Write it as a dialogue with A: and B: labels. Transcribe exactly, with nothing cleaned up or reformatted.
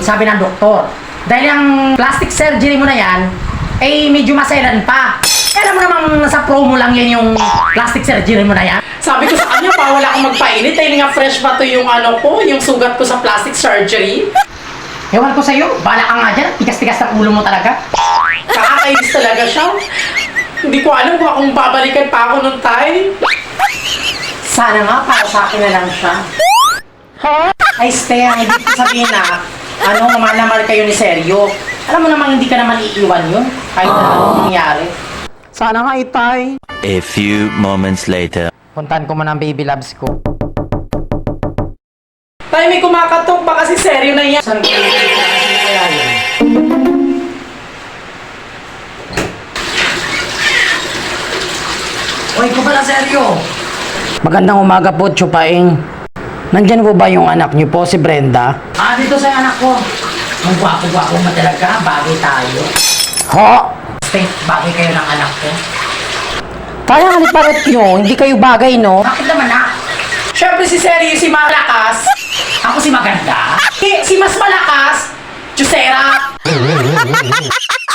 A: sabi ng doktor. Dahil ang plastic surgery mo na yan, ay medyo maselan pa. Eh, alam mo namang nasa promo lang yan yung plastic surgery mo na yan.
B: Sabi ko sa kanya, bawal akong magpainit dahil nga fresh pa to yung ano ko, yung sugat ko sa plastic surgery.
A: Ewan ko sa'yo, bala ka nga dyan. Tigas-tigas ng ulo mo talaga.
B: Kakakainis talaga siya. Hindi ko alam kung akong babalikan pa ako nung tay.
A: Sana nga, para sa akin na lang siya. Ay, Stea, hindi ko sabihin na, ano, mamalamal kayo ni Seryo. Alam mo namang hindi ka naman iiwan yun, kahit na anong mangyari.
B: Sana nga itay.
C: A few moments later.
A: Puntahan ko man ang baby loves ko.
B: Tay, may kumakatok. Baka si Seryo na yan.
A: Saan ko yung kaya yun? Uy, ko pala, Seryo. Magandang umaga po, Chupaing. Nandyan po ba yung anak niyo po, si Brenda? Ah, dito sa anak ko. Ang gwapo-gwapo mo talaga, bagay tayo. Ho! Stay, bagay kayo ng anak ko. Kaya nga parot nyo, hindi kayo bagay, no? Bakit naman na?
B: Siyempre si Seryo si malakas.
A: Ako si maganda.
B: Si, si mas malakas. Jusera.